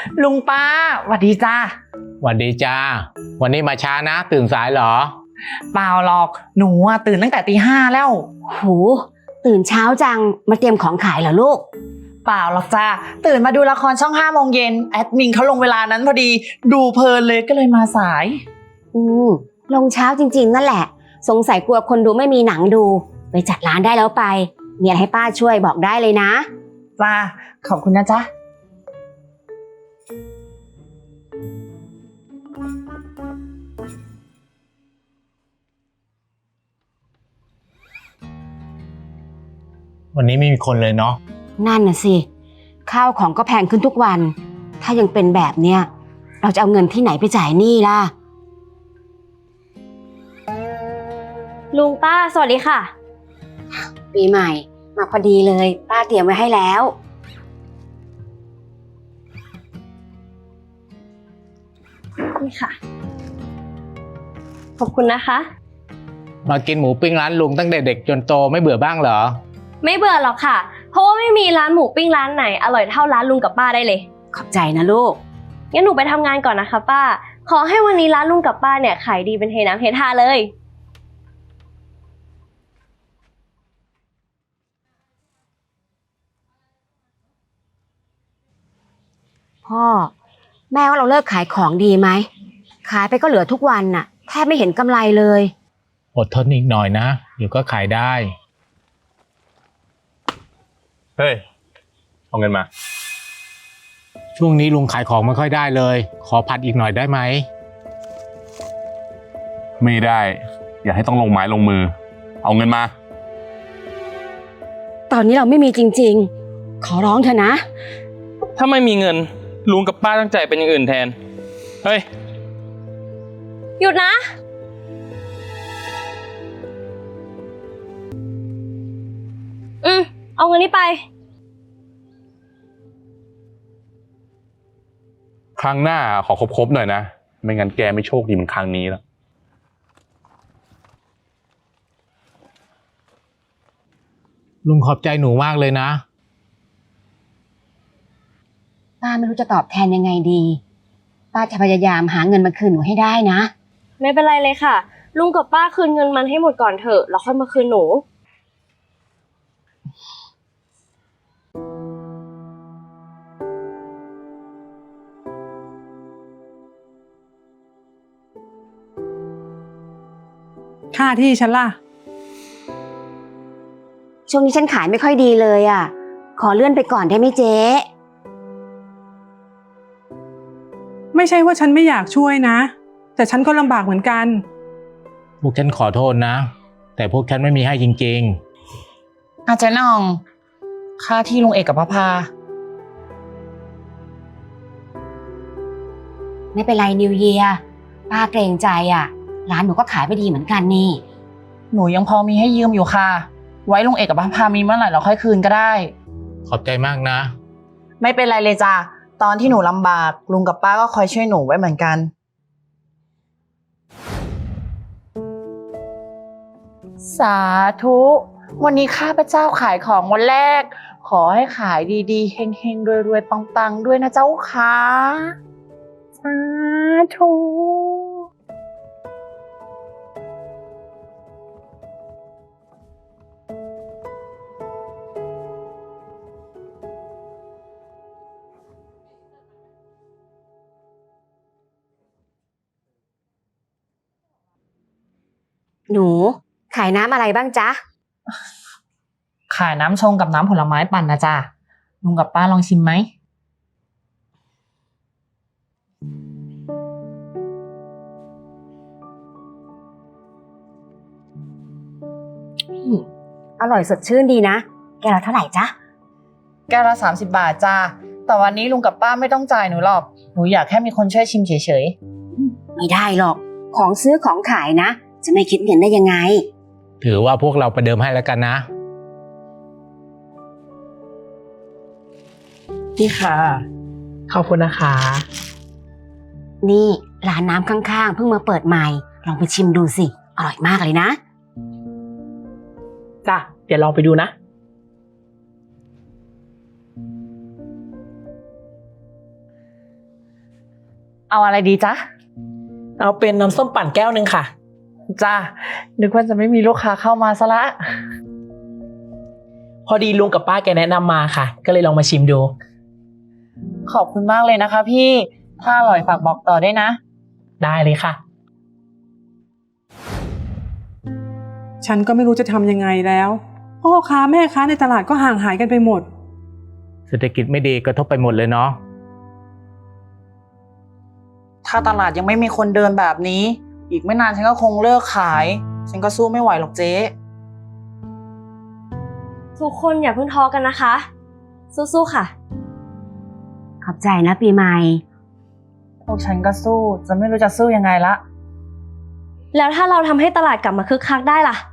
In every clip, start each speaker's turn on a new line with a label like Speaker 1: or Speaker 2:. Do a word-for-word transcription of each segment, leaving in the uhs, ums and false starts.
Speaker 1: ลุงป้าสวัสดีจ้า
Speaker 2: หวัสดีจ้าวันนี้มาช้านะตื่นสายเหรอ
Speaker 1: เปล่าหรอกหนูอะตื่นตั้งแต่ตีห้าแล้ว
Speaker 3: โหตื่นเช้าจังมาเตรียมของขายเหรอลูก
Speaker 1: เปล่าหรอกจ้าตื่นมาดูละครช่องห้าโมงเย็นแอดมินเขาลงเวลานั้นพอดีดูเพลินเลยก็เลยมาสาย
Speaker 3: อืมลงเช้าจริงๆนั่นแหละสงสัยกลัวคนดูไม่มีหนังดูไปจัดร้านได้แล้วไปมีอะไรให้ป้าช่วยบอกได้เลยนะ
Speaker 1: จ้าขอบคุณนะจ๊ะ
Speaker 2: วันนี้ไม่มีคนเลยเนาะ
Speaker 3: นั่นน่ะสิข้าวของก็แพงขึ้นทุกวันถ้ายังเป็นแบบเนี้ยเราจะเอาเงินที่ไหนไปจ่ายหนี้ล่ะ
Speaker 4: ลุงป้าสวัสดีค่ะ
Speaker 3: ปีใหม่มาพอดีเลยป้าเตรียมไว้ให้แล้ว
Speaker 4: นี่ค่ะขอบคุณนะคะ
Speaker 2: มากินหมูปิ้งร้านลุงตั้งแต่เด็กจนโตไม่เบื่อบ้างเหรอ
Speaker 4: ไม่เบื่อหรอกค่ะเพราะว่าไม่มีร้านหมูปิ้งร้านไหนอร่อยเท่าร้านลุงกับป้าได้เลย
Speaker 3: ขอบใจนะลูก
Speaker 4: งั้นหนูไปทำงานก่อนนะคะป้าขอให้วันนี้ร้านลุงกับป้าเนี่ยขายดีเป็นเทน้ำเทท่าเลย
Speaker 3: พ่อแม่ว่าเราเลิกขายของดีไหมขายไปก็เหลือทุกวันน่ะแทบไม่เห็นกำไรเลย
Speaker 2: อดทนอีกหน่อยนะเดี๋ยวก็ขายได้
Speaker 5: เฮ้ยเอาเงินมา
Speaker 2: ช่วงนี้ลุงขายของไม่ค่อยได้เลยขอผัดอีกหน่อยได้ไหม
Speaker 5: ไม่ได้อย่าให้ต้องลงไม้ลงมือเอาเงินมา
Speaker 3: ตอนนี้เราไม่มีจริงๆขอร้องเถอะนะ
Speaker 6: ถ้าไม่มีเงินลุงกับป้าตั้งใจเป็นอย่างอื่นแทนเฮ้ย
Speaker 4: หยุดนะอืมเอาเงินนี้ไป
Speaker 5: ครั้งหน้าขอครบๆหน่อยนะไม่งั้นแกไม่โชคดีเหมือนครั้งนี้แล้ว
Speaker 2: ลุงขอบใจหนูมากเลยนะ
Speaker 3: ป้าไม่รู้จะตอบแทนยังไงดีป้าจะพยายามหาเงินมาคืนหนูให้ได้นะ
Speaker 4: ไม่เป็นไรเลยค่ะลุงกับป้าคืนเงินมันให้หมดก่อนเถอะแล้วค่อยมาคืนหนู
Speaker 7: ค่าที่ฉันล่ะ
Speaker 3: ช่วงนี้ฉันขายไม่ค่อยดีเลยอ่ะขอเลื่อนไปก่อนได้ไหมเจ๊
Speaker 7: ไม่ใช่ว่าฉันไม่อยากช่วยนะแต่ฉันก็ลำบากเหมือนกัน
Speaker 2: พวกฉันขอโทษนะแต่พวกฉันไม่มีให้จริง
Speaker 1: ๆอาจารย์น้องค่าที่ลุงเอกกับพระพา
Speaker 3: ไม่เป็นไรนิวเยียร์ป้าเกรงใจอ่ะร้านหนูก็ขายไม่ดีเหมือนกันนี่
Speaker 1: หนูยังพอมีให้ยืมอยู่ค่ะไว้ลุงเอกกับพระพามีเมื่อไหร่เราค่อยคืนก็ได้
Speaker 2: ขอบใจมากนะ
Speaker 1: ไม่เป็นไรเลยจ้ะตอนที่หนูลำบากลุงกับป้าก็คอยช่วยหนูไว้เหมือนกันสาธุวันนี้ข้าพเจ้าขายของวันแรกขอให้ขายดีๆเฮงๆรวยๆปังๆด้วยนะเจ้าค่ะสาธุ
Speaker 3: หนูขายน้ำอะไรบ้างจ๊ะ
Speaker 1: ขายน้ำชงกับน้ำผลไม้ปั่นนะจ๊ะลุงกับป้าลองชิมไหม
Speaker 3: อร่อยสดชื่นดีนะแกละเท่าไหร่จ๊ะ
Speaker 1: แก้วละสามสิบบาทจ้าแต่วันนี้ลุงกับป้าไม่ต้องจ่ายหนูหรอกหนูอยากแค่มีคนช่วยชิมเฉย
Speaker 3: ๆไม่ได้หรอกของซื้อของขายนะจะไม่คิดเงินได้ยังไง
Speaker 2: ถือว่าพวกเราประเดิมให้แล้วกันนะ
Speaker 1: นี่ค่ะขอบคุณนะคะ
Speaker 3: นี่ร้านน้ำข้างๆเพิ่งมาเปิดใหม่ลองไปชิมดูสิอร่อยมากเลยนะ
Speaker 1: จ้ะเดี๋ยวลองไปดูนะเอาอะไรดีจ๊ะ
Speaker 8: เอาเป็นน้ำส้มปั่นแก้วหนึ่งค่ะ
Speaker 1: จ้านึกว่าจะไม่มีลูกค้าเข้ามาซะละ
Speaker 8: พอดีลุงกับป้าแกแนะนำมาค่ะ ก็เลยลองมาชิมดู
Speaker 1: ขอบคุณมากเลยนะคะพี่ ถ้าอร่อยฝากบอกต่อได้วยนะ
Speaker 8: ได้เลยค่ะ
Speaker 7: ฉันก็ไม่รู้จะทำยังไงแล้วพ่อค้าแม่ค้าในตลาดก็ห่างหายกันไปหมด
Speaker 2: เศรษฐกิจไม่ดีกระทบไปหมดเลยเนาะ
Speaker 1: ถ้าตลาดยังไม่มีคนเดินแบบนี้ อีกไม่นานฉันก็คงเลิกขาย ฉันก็สู้ไม่ไหวหรอกเจ๊
Speaker 4: ทุกคนอย่าเพิ่งท้อกันนะคะ สู้ๆค่ะ
Speaker 3: ขอบใจนะปีใหม่
Speaker 1: พวกฉันก็สู้ จะไม่รู้จะสู้ยังไงละ
Speaker 4: แล้วถ้าเราทำให้ตลาดกลับมาคึกคักได้ล่ะ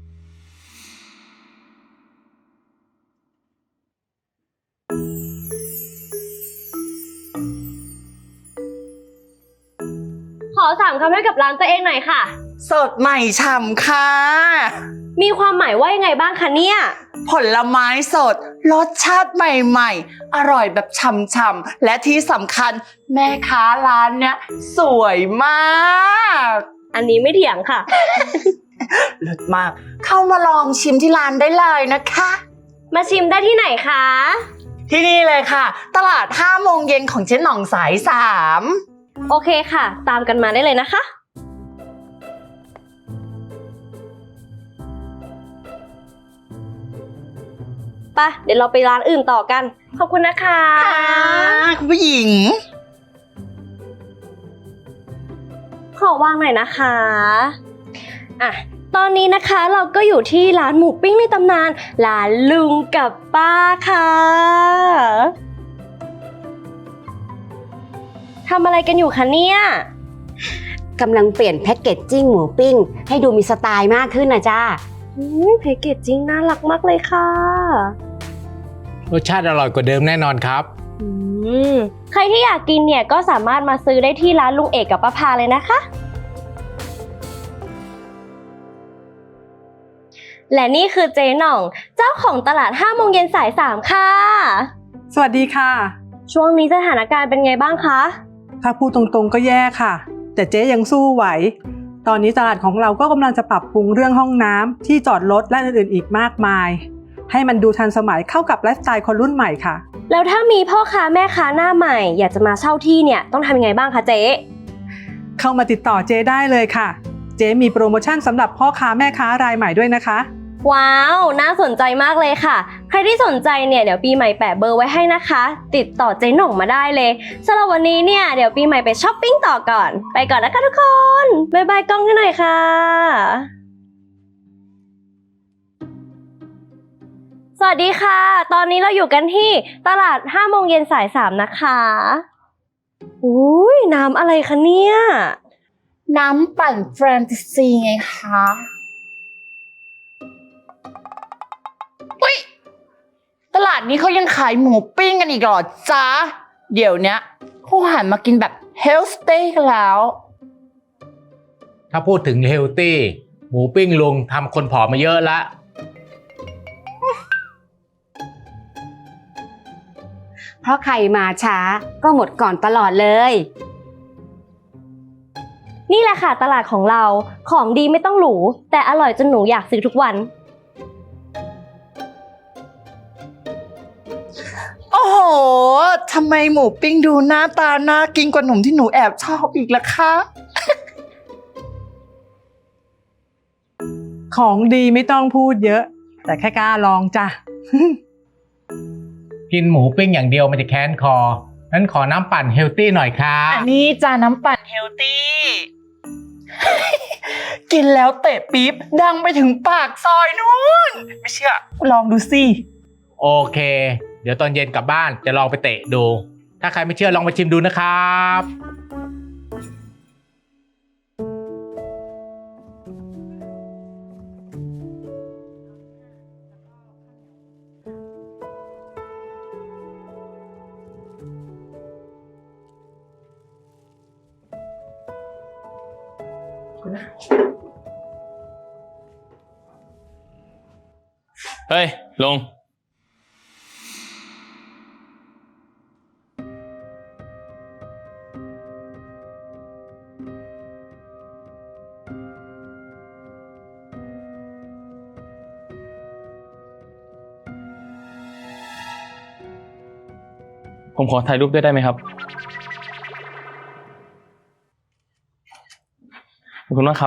Speaker 4: ขอสามคำให้กับร้านตัวเองหน่อยค่ะ
Speaker 1: สดใหม่ฉ่ำค่ะ
Speaker 4: มีความหมายว่ายังไงบ้างคะเนี่ย
Speaker 1: ผลไม้สด รสชาติใหม่ๆ อร่อยแบบฉ่ำๆ และที่สำคัญแม่ค้าร้านเนี้ยสวยมาก
Speaker 4: อันนี้ไม่เถียงค่ะ
Speaker 1: เลิศมาก เข้ามาลองชิมที่ร้านได้เลยนะคะ
Speaker 4: มาชิมได้ที่ไหนคะ
Speaker 1: ที่นี่เลยค่ะ ตลาดห้าโมงเย็นของเจ๊หน่องสายสาม
Speaker 4: โอเคค่ะ ตามกันมาได้เลยนะคะ ไปเดี๋ยวเราไปร้านอื่นต่อกัน ขอบคุณนะคะ
Speaker 1: ค่ะคุณผู้หญิง
Speaker 4: ขอวางหน่อยนะคะอ่ะตอนนี้นะคะเราก็อยู่ที่ร้านหมูปิ้งในตำนานร้านลุงกับป้าค่ะทำอะไรกันอยู่คะเนี่ย
Speaker 3: กำลังเปลี่ยนแพ็กเกจจิ้งหมูปิ้ง ให้ดูมีสไตล์มากขึ้นนะจ้า
Speaker 4: อืมแพ็กเกจจิ้งน่ารักมากเลยค่ะ
Speaker 2: รสชาติอร่อยกว่าเดิมแน่นอนครับ
Speaker 4: อืมใครที่อยากกินเนี่ยก็สามารถมาซื้อได้ที่ร้านลุงเอกกับป้าพาเลยนะคะ และนี่คือเจ๊หน่อง เจ้าของตลาดห้าโมงเย็นสายสามค่ะ
Speaker 7: สวัสดีค่ะ
Speaker 4: ช่วงนี้สถานการณ์เป็นไงบ้างคะ
Speaker 7: ถ้าพูดตรงๆก็แย่ค่ะ แต่เจ๊ยังสู้ไหว ตอนนี้ตลาดของเราก็กำลังจะปรับปรุงเรื่องห้องน้ำที่จอดรถและอื่นๆอีกมากมาย ให้มันดูทันสมัยเข้ากับไลฟ์สไตล์คนรุ่นใหม่ค่ะ
Speaker 4: แล้วถ้ามีพ่อค้าแม่ค้าหน้าใหม่ อยากจะมาเช่าที่เนี่ยต้องทำยังไงบ้างคะเจ๊
Speaker 7: เข้ามาติดต่อเจ๊ได้เลยค่ะ เจ๊มีโปรโมชั่นสำหรับพ่อค้าแม่ค้ารายใหม่ด้วยนะคะ
Speaker 4: ว้าว น่าสนใจมากเลยค่ะ ใครที่สนใจเนี่ยเดี๋ยวปีใหม่แปะเบอร์ไว้ให้นะคะ ติดต่อเจ๊หน่องมาได้เลยสำหรับวันนี้เนี่ยเดี๋ยวปีใหม่ไปช้อปปิ้งต่อก่อน ไปก่อนนะคะทุกคนบ๊ายบายกล้องให้หน่อยค่ะ สวัสดีค่ะ ตอนนี้เราอยู่กันที่ตลาดห้าโมงเย็นสายสามนะคะอุ้ยน้ำอะไรคะเนี่ย
Speaker 1: น้ำปั่นแฟนตาซีไงคะอุ๊ยตลาดนี้เขายังขายหมูปิ้งกันอีกเหรอจ๊ะ เดี๋ยวเนี้ยเขาหันมากินแบบเฮลสเต้กันแล้ว
Speaker 2: ถ้าพูดถึงเฮลตี้หมูปิ้งลุงทำคนผอมมาเยอะละ
Speaker 3: เพราะใครมาช้าก็หมดก่อนตลอดเลย
Speaker 4: นี่แหละค่ะตลาดของเราของดีไม่ต้องหรูแต่อร่อยจนหนูอยากซื้อทุกวัน
Speaker 1: โอ้โห ทำไมหมูปิ้งดูหน้าตาน่ากินกว่าหนุ่มที่หนูแอบชอบอีกล่ะคะ
Speaker 7: ของดีไม่ต้องพูดเยอะ แต่แค่กล้าลองจ้ะ
Speaker 2: กินหมูปิ้งอย่างเดียวมันจะแค้นคอนั้นขอน้ำปั่นเฮลตี้หน่อยครับ
Speaker 1: อันนี้จาน้ำปั่นเฮลตี้ กินแล้วเตะปี๊บดังไปถึงปากซอยนู้น ไม่เชื่อ ลองดูสิ
Speaker 2: โอเค เดี๋ยวตอนเย็นกลับบ้านจะลองไปเตะดู ถ้าใครไม่เชื่อลองไปชิมดูนะครับ
Speaker 6: เฮ้ย ลงผมขอถ่ายรูปด้วยได้ไหมครับขอบคุณมากครับ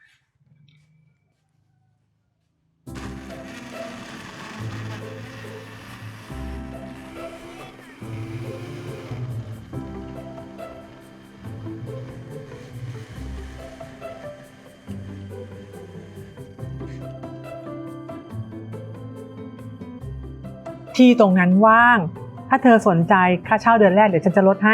Speaker 7: ที่ตรงนั้นว่าง ถ้าเธอสนใจค่าเช่าเดือนแรกเดี๋ยวฉันจะลดให้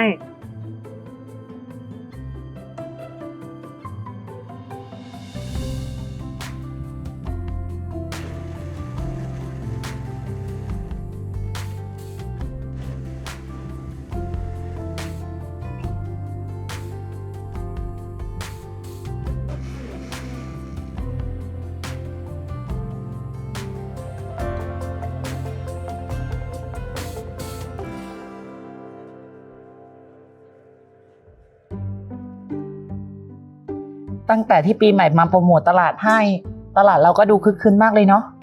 Speaker 1: ตั้งแต่ที่ปีใหม่มาโปรโมทตลาดให้ ตลาดเราก็ดูคึกคืนมากเลยเนาะ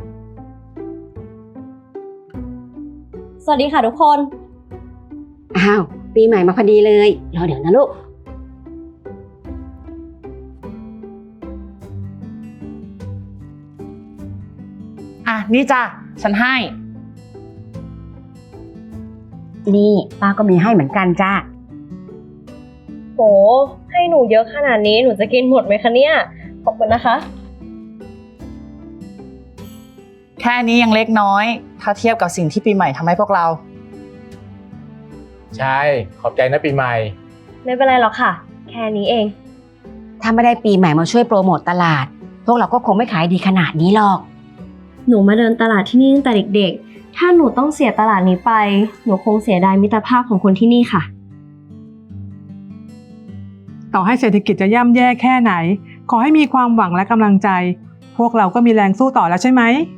Speaker 4: สวัสดีค่ะทุกคน
Speaker 3: อ้าว ปีใหม่มาพอดีเลยรอเดี๋ยวนะลูก
Speaker 1: อ่ะ นี่จ้ะ ฉันให้
Speaker 3: นี่ป้าก็มีให้เหมือนกันจ้า
Speaker 4: โห ให้หนูเยอะขนาดนี้หนูจะกินหมดไหมคะเนี่ย ขอบคุณนะคะ
Speaker 1: แค่นี้ยังเล็กน้อย ถ้าเทียบกับสิ่งที่ปีใหม่ทำให้พวกเรา
Speaker 2: ใช่ ขอบใจนะปีใหม่
Speaker 4: ไม่เป็นไรหรอกค่ะ แค่นี้เอง
Speaker 3: ถ้าไม่ได้ปีใหม่มาช่วยโปรโมทตลาด พวกเราก็คงไม่ขายดีขนาดนี้หรอก
Speaker 4: หนูมาเดินตลาดที่นี่ตั้งแต่เด็กๆ ถ้าหนูต้องเสียตลาดนี้ไป หนูคงเสียดายมิตรภาพของคนที่นี่ค่ะ
Speaker 7: ต่อให้เศรษฐกิจจะย่ำแย่แค่ไหน ขอให้มีความหวังและกำลังใจ พวกเราก็มีแรงสู้ต่อแล้วใช่ไหม